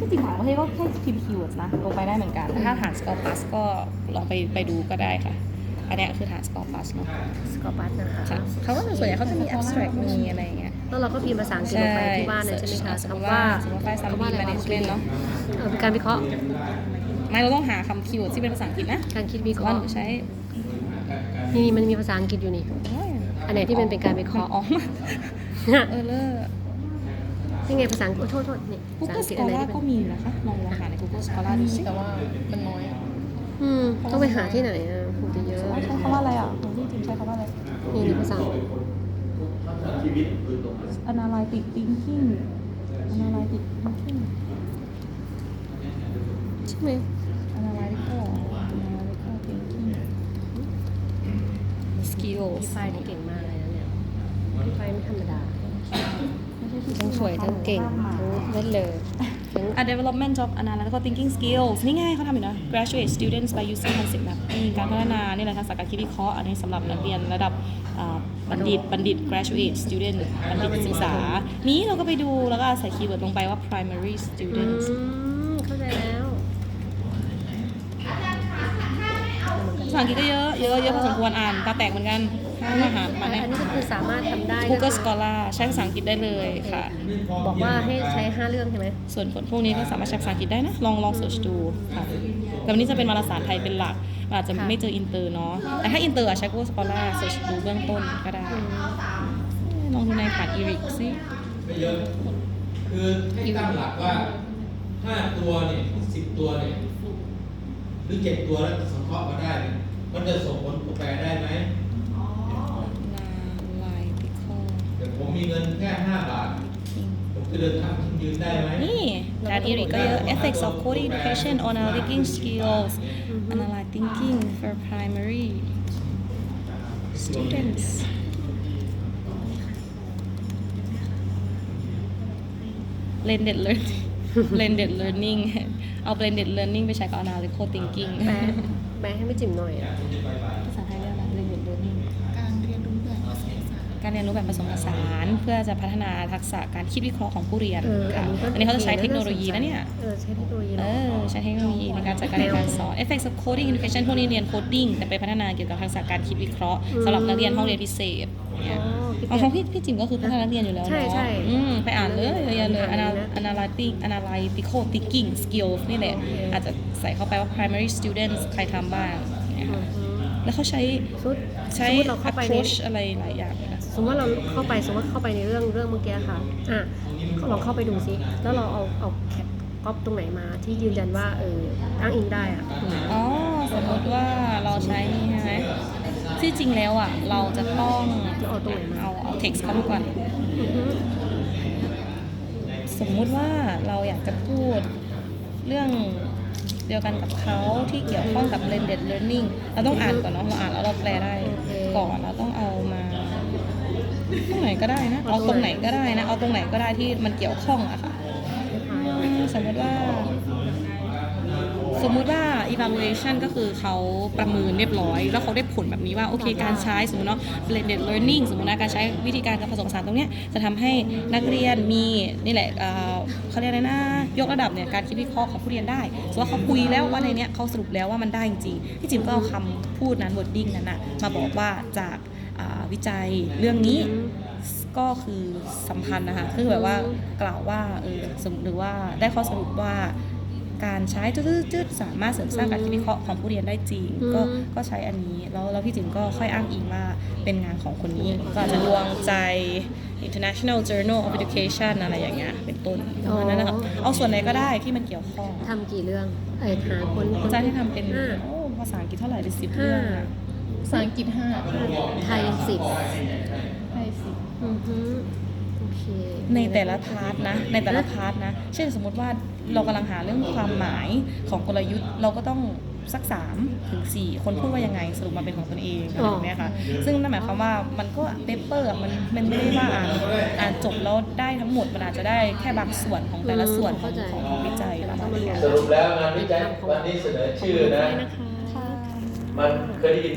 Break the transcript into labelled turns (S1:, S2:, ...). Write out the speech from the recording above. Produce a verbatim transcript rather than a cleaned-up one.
S1: ที่จริงต่างประเทศก็แค่พิมพ์คีย์เวิร์ดนะลงไปได้เหมือนกันถ้าฐาน Score Plus ก็ลองไปไปดูก็ได้ค่ะอันนี้คือฐาน Score Plus เนาะ
S2: สกอร์บัสนะคะ
S1: เขาก็ส่วนใหญ่เขาจะมี abstract มีอะไรอย่างเงี้ย
S2: แล้วเราก็พิมพ์ภาษาอังกฤษลงไปที่บ้านเลยใช่ไหมคะ
S1: สมมติ
S2: คำ
S1: ว่า
S2: ว่า
S1: สมมติว่าไฟล์ซัม
S2: คำ
S1: บี
S2: ว่าอะไร
S1: แม
S2: วะ
S1: เนจเมนต์เนาะ
S2: เออเป็นการวิเคราะห์
S1: ไม่เราต้องหาคำคีย์เวิร์ดที่เป็นภาษาอังกฤษนะ
S2: การคิดวิเค
S1: ว่า
S2: ราะ
S1: ห
S2: ห์
S1: นูใช้
S2: นี่มันมีภาษาอังกฤษอยู่นี่ อันไหนที่เป็นเป็นการวิเคราะห์
S1: อ๋อเออเลอร์
S2: นี่ไงภาษาอังกฤษโทษโทษนี่ภาษา
S1: Google
S2: อังกฤษอันไหน
S1: Scholar
S2: ที่
S1: ก็
S2: เป็น
S1: มีอยู่นะคะลองลองหาใน Google Scholar ดูสิ
S3: แต่ว่ามันน้อย
S2: อืมต้องไปหาที่ไหนอ่ะคงจะเยอะ
S1: ใช้คำว่าอะไรอ่ะของที่ทีมใช้คำว่าอะไร
S2: นี่นี่ภาษา
S1: analytic thinking analytic thinking
S2: ใช่ไหม
S1: analytical analytical thinking skills
S2: พี่ไฟนี่เก่งมากเลยนะเนี่ยพี่ไฟไม่ธรรมดาทั้งสวยทั้งเก่งทั้งเล่นเลยทั้ง
S1: A development of analytical thinking skills นี่ไงเขาทำอยู่นะ graduate students by using concept mapping การพัฒนานี่แหละทักษะการคิดวิเคราะห์อันนี้สำหรับนักเรียนระดับอ่าบัณฑิตบัณฑิต graduate student บัณฑิตศึกษา นี้เราก็ไปดูแล้วก็ใส่คีย์เวิร์ดลงไปว่า primary
S2: อื
S1: students
S2: มเข้าใจแล้ว
S1: ภาษาอังกฤษก็เยอะเยอะเยอะพอสมควรอ่านตาแตกเหมือนกันถ้ามาหามาเนี่ย
S2: อันนี้ก็คือสามารถทำได้
S1: Google Scholar ใช้ภาษาอังกฤษได้เลยค่ะ
S2: บอกว่าให้ใช้ห้าเรื่องใช่ไหม
S1: ส่วนผลพวกนี้ก็สามารถใช้ภาษาอังกฤษได้นะ ลองลองเสิร์ชดูค่ะแต่วันนี้จะเป็นวารสารไทยเป็นหลักมันอาจจะไม่เจออินเตอร์เนาะแต่ถ้าอินเตอร์อะใช้ Google Scholar เสิร์ชดูเบื้องต้นก็ได้ ลองดูในผ่านอีริกสิ
S4: ไม่เยอะ คือให้ตั้งหลักว่าห้าตัวเนี่ยสิบตัวเนี่ยหรือเจ็ดตัวแล้วสังเคราะห์มาได้เนี่ยมันจะส่งผลแปลได้ไหม
S1: Analytical
S4: แต่ผมมีเงินแค่ห้าบาท ผมจะเดินทางยืนได้ไหม
S1: นี่การอีริกก็เยอะ Ethics of Coding Education on Analytic Skills Analytic Thinking for Primary Students Blended Learning Blended Learning เอา Blended Learning ไปใช้กับ Analytical Thinking
S2: แปลแปลให้ไม่จิ๋มหน่อยอะ
S1: ภาษาไทยเรียกว่า Blended Learning
S3: การเรียนรู้แบบภาษา
S1: การเรียนรู้แบบผสมผสานเพื่อจะพัฒนาทักษะการคิดวิเคราะห์ของผู้เรียน
S2: เออ
S1: ค่ะ
S2: อั
S1: อัน
S2: น
S1: นี้
S2: นี้
S1: เขา
S2: ก็
S1: จะใช้เทคโนโลยีนะเนี่ย
S2: เออใช้เทคโนโลยี
S1: เอ
S2: เนาะ
S1: อใช้เทคโนโลยีในการจัดการเรียนการสอน Effects of Coding Education พวกนี้เรียนโคดดิ้งแต่ไปพัฒนาเกี่ยวกับทักษะการคิดวิเคราะห์สำหรับนักเรียนห้องเรียนพิเศษเนี่ย
S2: อ๋อ
S1: ของพี่พี่จิ๋มก็คือพัฒนานักเรียนอยู่แล้ว
S2: ใช่
S1: เนาะ
S2: ใช่
S1: อืมไปอ่านเลยเยอะๆเลย
S2: อ่านเลย
S1: Anal-
S2: นะ
S1: Analytic Analytical Thinking Skills นี่แหละอาจจะใส่เข้าไปว่า primary students ใครทำบ้างเนี่ย
S2: อื
S1: ค่ะ
S2: ม
S1: แล้วเขาใช้
S2: สมมุติ
S1: ใช้
S2: สมมุติเราเข้าไปใน
S1: approach อะไรหลายอย่างเลยนะ
S2: สมมติว่าเราเข้าไปสมมติว่าเข้าไปในเรื่องเรื่องเมื่อกี้ค่ะอ่ะลองเข้าไปดูซิแล้วเราเอาเอาแคปก๊อปตรงไหนมาที่ยืนยันว่าเอออ้างอิงได้อ่ะอืม
S1: อ๋อสมมติว่าเราใช้นี่ใช่ไหมที่จริงแล้วอ่ะเราจะต้อง
S2: จะเอาตรงไหนมา
S1: เอาเอา text เข้ามาก่อน
S2: อือฮึ
S1: สมมุติว่าเราอยากจะพูดเรื่องเดียวกันกับเขาที่เกี่ยวข้องกับ blended learning เราต้องอ่านก่อนเนาะเราอ่านแล้วเราแปลได้ก่อนเราต้องเอามาตรงไหนก็ได้นะเอาตรงไหนก็ได้นะเอาตรงไหนก็ได้ที่มันเกี่ยวข้องอะค่ะอืมสมมติว่า สมมุติว่า evaluation ก็คือเขาประเมินเรียบร้อย แล้วเขาได้ผลแบบนี้ว่าโอเคการใช้สมมติเนาะ blended learning สมมตินะการใช้วิธีการการผสมผสานตรงเนี้ยจะทำให้นักเรียนมีนี่แหละเอ่อเขาเรียกอะไรนะยกระดับเนี่ยการคิดวิเคราะห์ของผู้เรียนได้สมมติว่าเขาคุยแล้วว่าในเนี้ยเขาสรุปแล้วว่ามันได้จริงๆพี่จิมก็เอาคำพูดนั้น wording นั้นนะมาบอกว่าจากอ่าวิจัยเรื่องนี้ก็คือสัมพันธ์นะคะคือแบบว่ากล่าวว่าเออสมหรือว่าได้ข้อสรุปว่าการใช้จืดๆสามารถเสริมสร้างการคิดวิเคราะห์ของผู้เรียนได้จริง ก็ก็ใช้อันนี้แล้วแล้วพี่จิ๋มก็ค่อยอ้างอิงว่าเป็นงานของคนนี้ก็อาจจะดวงใจ International Journal of Education อะไรอย่างเงี้ยเป็นต้นประมาณนั้นนะครับเอาส่วนไหนก็ได้ที่มันเกี่ยวข้อง
S2: ทำกี่เรื่องเอ้ยหาคนคน
S1: อาจารย์ที่ทำเป็น
S2: ห้า
S1: โอ้ภาษาอังกฤษเท่าไหร่เป็นสิบ
S2: ห้า
S1: เรื่องอะ
S3: ภาษาอังกฤษห้า
S2: ไทยสิบ
S3: ไทยสิบ
S2: อือฮึโอเค
S1: ในแต่ละพาร์ทนะในแต่ละพาร์ทนะเช่นสมมติว่าเรากำลังหาเรื่องความหมายของกลยุทธ์เราก็ต้องสักสามถึงสี่คนพูดว่ายังไงสรุปมาเป็นของตนเองอะไรแบบเนี้ยค่ะซึ่งนั่นหมายความว่ามันก็เปเปอร์มันมันไม่ได้ว่าอ่านอ่านจบแล้วได้ทั้งหมดมันอาจจะได้แค่บางส่วนของแต่ละส่วนของของของวิจัยประมาณนี้
S4: สรุปแล้วงานวิจัยวันนี้เสนอชื่อนะ
S2: นะคะ
S4: มันเคยได้ยิน